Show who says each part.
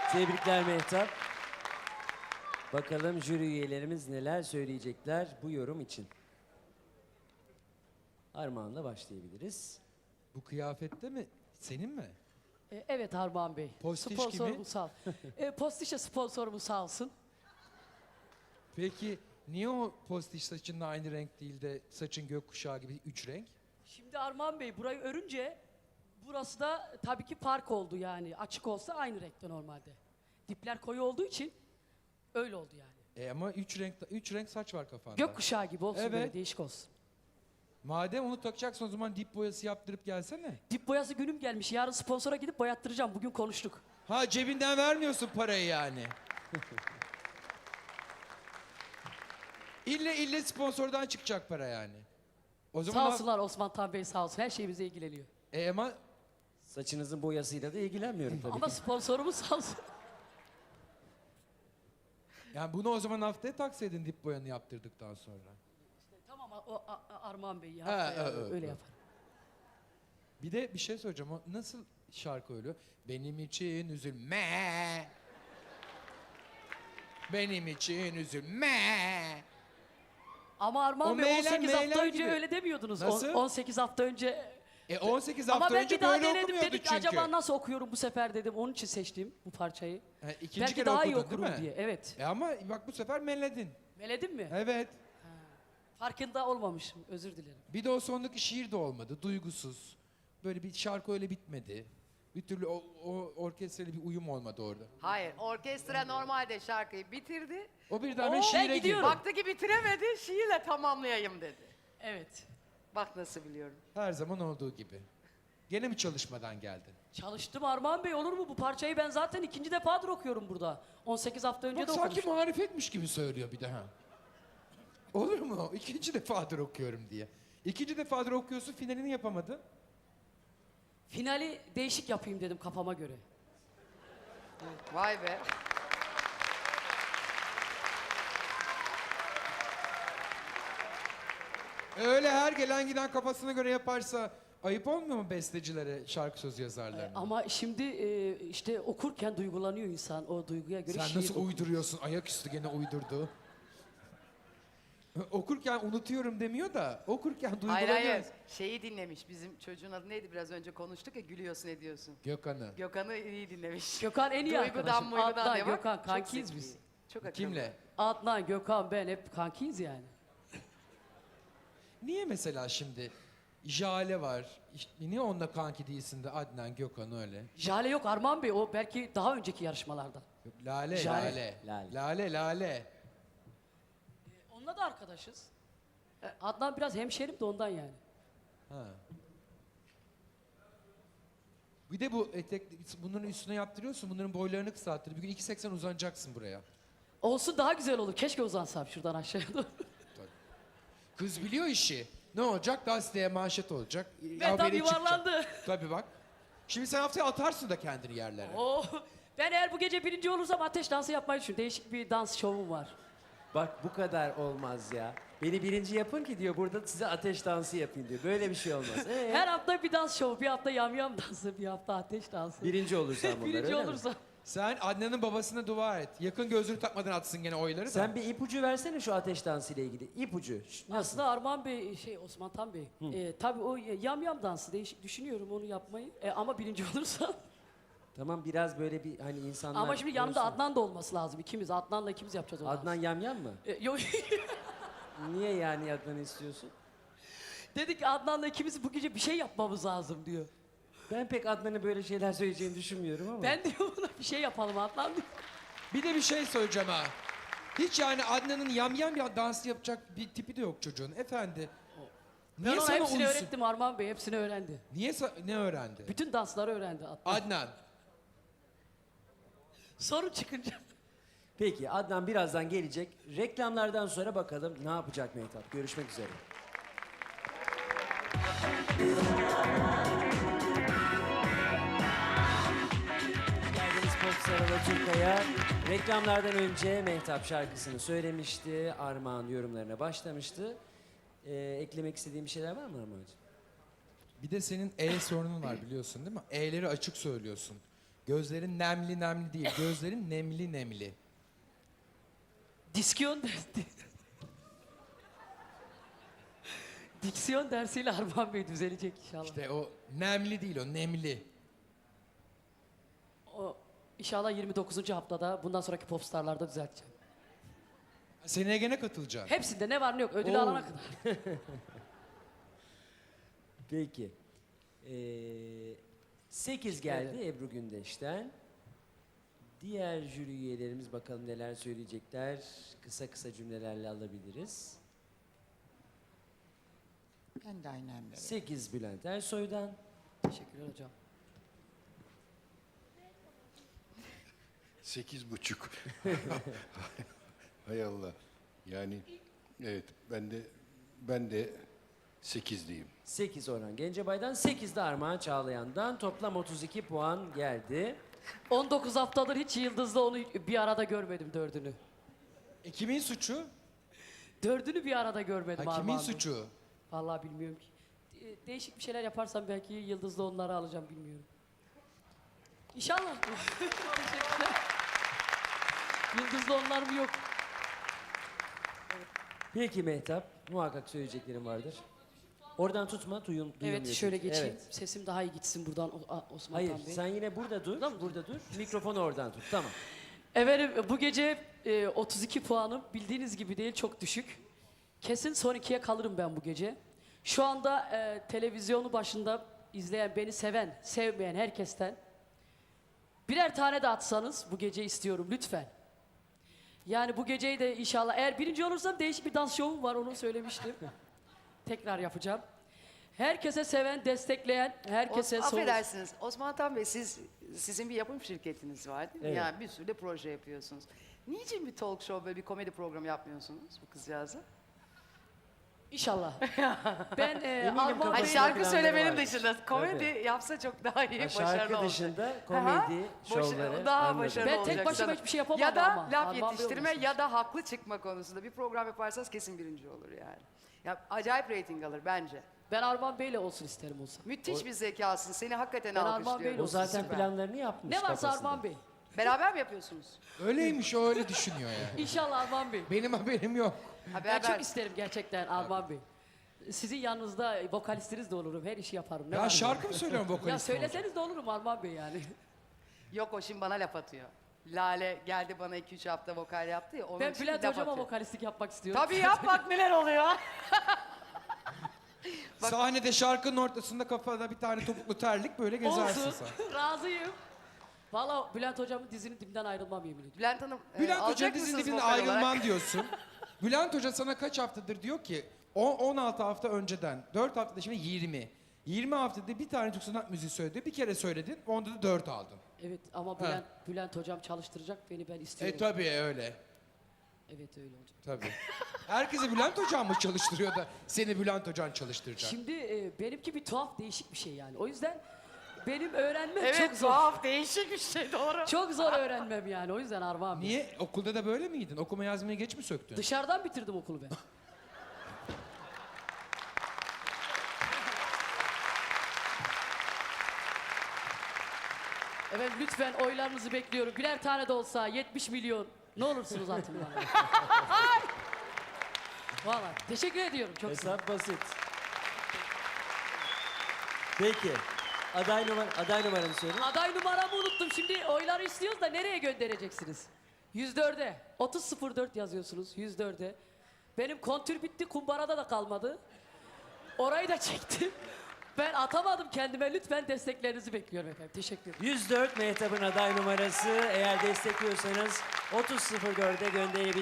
Speaker 1: Tebrikler Mehtap. Bakalım jüri üyelerimiz neler söyleyecekler bu yorum için. Armağan'la başlayabiliriz.
Speaker 2: Bu kıyafette mi? Senin mi?
Speaker 3: Evet Armağan Bey.
Speaker 2: Postiş
Speaker 3: Sponsorumuz
Speaker 2: kimi?
Speaker 3: sağ Postişe sponsorumuz sağ olsun.
Speaker 2: Peki niye o postiş saçınla aynı renk değil de saçın gökkuşağı gibi 3 renk?
Speaker 3: Şimdi Armağan Bey burayı örünce burası da tabii ki fark oldu yani. Açık olsa aynı renkte normalde. Dipler koyu olduğu için öyle oldu yani.
Speaker 2: Ama 3 renk saç var kafanda.
Speaker 3: Gökkuşağı gibi olsun
Speaker 2: Evet.
Speaker 3: böyle değişik olsun.
Speaker 2: Madem onu takacaksın o zaman dip boyası yaptırıp gelsene.
Speaker 3: Dip boyası günüm gelmiş. Yarın sponsora gidip boyattıracağım. Bugün konuştuk.
Speaker 2: Ha cebinden vermiyorsun parayı yani. İlle sponsordan çıkacak para yani. O zaman
Speaker 3: Sağ olsunlar Osman Tan Bey sağ olsun. Her şeyimize ilgileniyor.
Speaker 2: ama
Speaker 1: Saçınızın boyasıyla da ilgilenmiyorum tabii
Speaker 3: Ama
Speaker 1: ki.
Speaker 3: sponsorumuz sağ olsun.
Speaker 2: yani bunu o zaman haftaya taksaydın dip boyanı yaptırdıktan sonra.
Speaker 3: Tamam Armağan Bey ya.
Speaker 2: Ha,
Speaker 3: öyle
Speaker 2: evet.
Speaker 3: yapar.
Speaker 2: Bir de bir şey söyleyeceğim. O nasıl şarkı öyle? Benim için üzülme. Benim için üzülme.
Speaker 3: Ama Armağan
Speaker 2: O
Speaker 3: Bey
Speaker 2: meyler,
Speaker 3: 18 hafta
Speaker 2: meyler
Speaker 3: önce
Speaker 2: gibi.
Speaker 3: öyle demiyordunuz.
Speaker 2: Nasıl?
Speaker 3: 18 hafta önce.
Speaker 2: 18
Speaker 3: Ama
Speaker 2: hafta
Speaker 3: ben
Speaker 2: önce
Speaker 3: bir daha
Speaker 2: böyle
Speaker 3: denedim
Speaker 2: okumuyordu
Speaker 3: dedik
Speaker 2: çünkü.
Speaker 3: acaba nasıl okuyorum bu sefer dedim. Onun için seçtim bu parçayı.
Speaker 2: İkinci
Speaker 3: Belki
Speaker 2: kere
Speaker 3: daha iyi
Speaker 2: okudun, değil
Speaker 3: okurum
Speaker 2: mi?
Speaker 3: diye. Evet.
Speaker 2: Ama bak bu sefer melledin.
Speaker 3: Meledin mi?
Speaker 2: Evet.
Speaker 3: Farkında olmamışım. Özür dilerim.
Speaker 2: Bir de o sondaki şiir de olmadı. Duygusuz. Böyle bir şarkı öyle bitmedi. Bir türlü o orkestrayla bir uyum olmadı orada.
Speaker 4: Hayır, orkestra normalde şarkıyı bitirdi.
Speaker 2: O birden
Speaker 3: Ben
Speaker 2: şiire girdi.
Speaker 3: gidiyorum.
Speaker 4: Baktı ki bitiremedi, şiirle tamamlayayım dedi.
Speaker 3: Evet.
Speaker 4: Bak nasıl biliyorum.
Speaker 2: Her zaman olduğu gibi. Gene mi çalışmadan geldin?
Speaker 3: Çalıştım Armağan Bey olur mu? Bu parçayı ben zaten ikinci defadır okuyorum burada. 18 hafta önce
Speaker 2: Bak
Speaker 3: de
Speaker 2: sanki
Speaker 3: okumuştum.
Speaker 2: marifetmiş gibi söylüyor bir daha. Olur mu? İkinci defadır okuyorum diye. İkinci defadır okuyorsun, finalini yapamadın.
Speaker 3: Finali değişik yapayım dedim kafama göre.
Speaker 4: Vay be.
Speaker 2: Öyle her gelen giden kafasına göre yaparsa ayıp olmuyor mu bestecilere, şarkı sözü yazarlarına?
Speaker 3: Ama şimdi işte okurken duygulanıyor insan. O duyguya göre
Speaker 2: Sen
Speaker 3: şiir
Speaker 2: nasıl
Speaker 3: okur.
Speaker 2: uyduruyorsun? Ayaküstü gene uydurdu. Okurken unutuyorum demiyor da okurken
Speaker 4: Hayır
Speaker 2: duygulanıyor.
Speaker 4: hayır, şeyi dinlemiş. Bizim çocuğun adı neydi biraz önce konuştuk ya, gülüyorsun ediyorsun.
Speaker 2: Gökhan'ı.
Speaker 4: Gökhan'ı iyi dinlemiş.
Speaker 3: Gökhan en iyi
Speaker 4: Duygudan
Speaker 3: arkadaşım.
Speaker 4: muygudan
Speaker 3: Adnan,
Speaker 4: diye bak.
Speaker 3: Gökhan
Speaker 4: Çok
Speaker 3: kankiyiz
Speaker 4: zeki.
Speaker 3: biz.
Speaker 4: Çok akıllı.
Speaker 2: Kimle?
Speaker 3: Adnan, Gökhan, ben hep kankiyiz yani.
Speaker 2: Niye mesela şimdi Jale var. İşte niye onunla kanki değilsin de Adnan, Gökhan öyle?
Speaker 3: Jale yok Armağan Bey o belki daha önceki yarışmalarda.
Speaker 2: Yok, Lale,
Speaker 3: Jale.
Speaker 2: Lale.
Speaker 1: Lale.
Speaker 2: Lale.
Speaker 3: Onunla da arkadaşız. Adnan biraz hemşerim de ondan yani.
Speaker 2: Ha. Bir de bu etek, bunların üstüne yaptırıyorsun, bunların boylarını kısalttır. Bir gün 2.80 uzanacaksın buraya.
Speaker 3: Olsun daha güzel olur. Keşke uzansam şuradan aşağıya doğru.
Speaker 2: Kız biliyor işi. Ne olacak? Gazeteye manşet olacak.
Speaker 3: Ben tam
Speaker 2: haberi çıkacak.
Speaker 3: yuvarlandı.
Speaker 2: Tabii bak. Şimdi sen haftaya atarsın da kendini yerlere.
Speaker 3: Oo, ben eğer bu gece birinci olursam ateş dansı yapmayı düşünüyorum. Değişik bir dans şovum var.
Speaker 1: Bak bu kadar olmaz ya. Beni birinci yapın ki diyor burada size ateş dansı yapayım diyor. Böyle bir şey olmaz.
Speaker 3: Her hafta bir dans şovu. Bir hafta yamyam dansı, bir hafta ateş dansı.
Speaker 1: Birinci olursan bunlar
Speaker 3: Birinci
Speaker 1: öyle mi?
Speaker 3: olursam.
Speaker 2: Sen Adnan'ın babasına dua et. Yakın gözlüğü takmadan atsın gene oyları da.
Speaker 1: Sen bir ipucu versene şu ateş dansı ile ilgili. İpucu. Nasıl?
Speaker 3: Aslında Armağan Bey, Osman Tan Bey. Tabii o yamyam dansı değişik düşünüyorum onu yapmayı. Ama birinci olursam.
Speaker 1: Tamam biraz böyle bir hani insanlar...
Speaker 3: Ama şimdi yanımda
Speaker 1: görsün.
Speaker 3: Adnan da olması lazım. İkimiz, Adnan'la ikimiz yapacağız o dansı.
Speaker 1: Adnan yamyam mı?
Speaker 3: Yok.
Speaker 1: Niye yani Adnan'ı istiyorsun?
Speaker 3: Dedik ki Adnan'la ikimiz bu gece bir şey yapmamız lazım diyor.
Speaker 1: Ben pek Adnan'ı böyle şeyler söyleyeceğini düşünmüyorum ama.
Speaker 3: Ben diyor buna bir şey yapalım Adnan diyor.
Speaker 2: Bir de bir şey söyleyeceğim ha. Hiç yani Adnan'ın yamyam bir dans yapacak bir tipi de yok çocuğun. Efendi.
Speaker 3: Ben ona hepsini öğrettim Armağan Bey, hepsini öğrendi.
Speaker 2: Niye ne öğrendi?
Speaker 3: Bütün dansları öğrendi Adnan.
Speaker 2: Adnan.
Speaker 3: Sorun çıkınca.
Speaker 1: Peki Adnan birazdan gelecek. Reklamlardan sonra bakalım ne yapacak Mehtap. Görüşmek üzere. Geldiniz Popstar Alaturka'ya. Reklamlardan önce Mehtap şarkısını söylemişti. Armağan yorumlarına başlamıştı. Eklemek istediğin bir şeyler var mı Armağan'cığım?
Speaker 2: Bir de senin sorunun var biliyorsun değil mi? E'leri açık söylüyorsun. Gözlerin nemli nemli değil. Gözlerin nemli nemli.
Speaker 3: Diksiyon dersi. Diksiyon dersiyle Armağan Bey düzelecek inşallah.
Speaker 2: İşte o nemli değil, o nemli.
Speaker 3: O inşallah 29. haftada bundan sonraki popstarlarda düzelteceğim.
Speaker 2: Seneye gene katılacaksın.
Speaker 3: Hepsinde ne var ne yok ödül
Speaker 2: Oo.
Speaker 3: alana kadar.
Speaker 1: Peki. 8 geldi Ebru Gündeş'ten. Diğer jüri üyelerimiz bakalım neler söyleyecekler. Kısa kısa cümlelerle alabiliriz.
Speaker 5: Ben de aynı hamle.
Speaker 1: 8 Bülent Ersoy'dan.
Speaker 3: Teşekkürler hocam.
Speaker 6: 8,5. Hay Allah. Yani evet ben de 8 diyeyim.
Speaker 1: 8 Orhan Gencebay'dan, 8 de Armağan Çağlayan'dan. Toplam 32 puan geldi.
Speaker 3: 19 haftadır hiç Yıldız'la onu bir arada görmedim dördünü.
Speaker 2: Kimin suçu?
Speaker 3: Dördünü bir arada görmedim
Speaker 2: Ha, kimin
Speaker 3: Armağan Bey.
Speaker 2: suçu?
Speaker 3: Vallahi bilmiyorum ki. Değişik bir şeyler yaparsam belki Yıldız'la onları alacağım bilmiyorum. İnşallah. Teşekkürler. Yıldız'la onlar mı yok?
Speaker 1: Peki Mehtap, muhakkak söyleyeceklerim vardır. Oradan tutma, duyulmuyor.
Speaker 3: Evet şöyle
Speaker 1: çünkü.
Speaker 3: geçeyim.
Speaker 1: Evet.
Speaker 3: Sesim daha iyi gitsin buradan Osman
Speaker 1: Hayır,
Speaker 3: Tan Bey.
Speaker 1: sen yine burada dur. Burada dur. Mikrofonu oradan tut. Tamam.
Speaker 3: Efendim bu gece 32 puanım bildiğiniz gibi değil çok düşük. Kesin son ikiye kalırım ben bu gece. Şu anda televizyonu başında izleyen, beni seven, sevmeyen herkesten birer tane de atsanız bu gece istiyorum lütfen. Yani bu geceyi de inşallah eğer birinci olursam değişik bir dans şovum var onu söylemiştim. Tekrar yapacağım. Herkese seven, destekleyen, herkese
Speaker 4: Affedersiniz Osman Tan Bey sizin bir yapım şirketiniz var değil mi?
Speaker 1: Evet.
Speaker 4: Yani bir sürü de proje yapıyorsunuz. Niçin bir talk show böyle bir komedi programı yapmıyorsunuz bu kızcağızla?
Speaker 3: İnşallah. Ben
Speaker 1: Eminim
Speaker 3: Armağan
Speaker 1: kafasında
Speaker 4: Hani
Speaker 3: Bey...
Speaker 4: şarkı
Speaker 1: planları
Speaker 4: söylemenin
Speaker 1: vardır.
Speaker 4: dışında komedi
Speaker 1: Tabii.
Speaker 4: yapsa çok daha iyi,
Speaker 1: Ha,
Speaker 4: başarılı
Speaker 1: şarkı
Speaker 4: olacak.
Speaker 1: dışında
Speaker 4: Aha,
Speaker 1: komedi şovları.
Speaker 4: daha
Speaker 1: anladım.
Speaker 4: başarılı
Speaker 3: Ben
Speaker 4: olacak.
Speaker 3: tek başıma
Speaker 4: sanırım.
Speaker 3: hiçbir şey yapamam
Speaker 4: Ya da
Speaker 3: ama.
Speaker 4: laf
Speaker 3: Armağan Bey
Speaker 4: yetiştirme
Speaker 3: olmasın.
Speaker 4: ya da haklı çıkma konusunda bir program yaparsanız kesin birinci olur yani. Ya acayip reyting alır bence.
Speaker 3: Ben Armağan Bey'le olsun isterim olsa.
Speaker 4: Müthiş bir zekasın. Seni hakikaten
Speaker 3: Ben Armağan
Speaker 4: alkışlıyorum.
Speaker 3: Bey'le
Speaker 1: O zaten
Speaker 4: Süper.
Speaker 1: planlarını yapmış
Speaker 3: Ne varsa
Speaker 1: kafasında.
Speaker 3: Armağan Bey.
Speaker 4: Beraber mi yapıyorsunuz?
Speaker 2: Öyleymiş, o öyle düşünüyor yani.
Speaker 3: İnşallah Armağan Bey.
Speaker 2: Benim haberim yok.
Speaker 4: Ha,
Speaker 3: Ben çok
Speaker 4: beraber.
Speaker 3: isterim gerçekten Armağan Bey. Sizin yanınızda vokalistiniz de olurum. Her işi yaparım. Ne var
Speaker 2: Ya
Speaker 3: mı?
Speaker 2: şarkı mı söylüyorum
Speaker 3: Ya
Speaker 2: vokalist?
Speaker 3: söyleseniz de olurum Armağan Bey yani.
Speaker 4: Yok o şimdi bana laf atıyor. Lale geldi bana 2-3 hafta vokal yaptı ya. Onun
Speaker 3: Ben
Speaker 4: için
Speaker 3: Bülent
Speaker 4: laf
Speaker 3: Hocam'a
Speaker 4: atıyor.
Speaker 3: vokalistlik yapmak istiyorum.
Speaker 4: Tabii yap bak neler oluyor.
Speaker 2: Sahnede şarkının ortasında kafada bir tane topuklu terlik böyle gezersin
Speaker 3: Olsun.
Speaker 2: sen.
Speaker 3: Razıyım. Valla Bülent Hocam'ın dizinin dibinden ayrılmam yemin ediyorum.
Speaker 4: Bülent Hanım
Speaker 2: Bülent
Speaker 4: alacak
Speaker 2: Hoca dizinin
Speaker 4: mısınız
Speaker 2: dibinden
Speaker 4: vokal olarak?
Speaker 2: ayrılman diyorsun. Bülent Hoca sana kaç haftadır diyor ki 16 hafta önceden 4 haftada şimdi 20. 20 haftada bir tane Türk sanat müziği söyledi. Bir kere söyledin onda da 4 aldın.
Speaker 3: Evet ama
Speaker 2: Ha.
Speaker 3: Bülent Hocam çalıştıracak beni ben istiyorum.
Speaker 2: Tabii öyle.
Speaker 3: Evet öyle olacak.
Speaker 2: Tabii. Herkesi Bülent Hocam mı çalıştırıyor da seni Bülent Hocan çalıştıracak?
Speaker 3: Şimdi benimki bir tuhaf değişik bir şey yani. O yüzden benim öğrenmem
Speaker 4: Evet
Speaker 3: çok zor.
Speaker 4: tuhaf değişik bir şey doğru.
Speaker 3: Çok zor öğrenmem yani. O yüzden Armağan Bey.
Speaker 2: Niye? Okulda da böyle miydin? Okuma yazmayı geç mi söktün?
Speaker 3: Dışarıdan bitirdim okulu ben. Evet lütfen oylarınızı bekliyorum. Birer tane de olsa 70 milyon. Ne olursunuz atın bana. Valla teşekkür ediyorum çok sağ olun.
Speaker 1: Hesap basit. Peki. Aday numaranı söyle.
Speaker 3: Aday numaramı unuttum. Şimdi oyları istiyoruz da nereye göndereceksiniz? 104'e. 3004 yazıyorsunuz 104'e. Benim kontür bitti, kumbarada da kalmadı. Orayı da çektim. Ben atamadım kendime. Lütfen desteklerinizi bekliyorum efendim. Teşekkür ederim.
Speaker 1: 104 Mehtap'ın aday numarası. Eğer destekliyorsanız 30.04'e gönderebilirsiniz.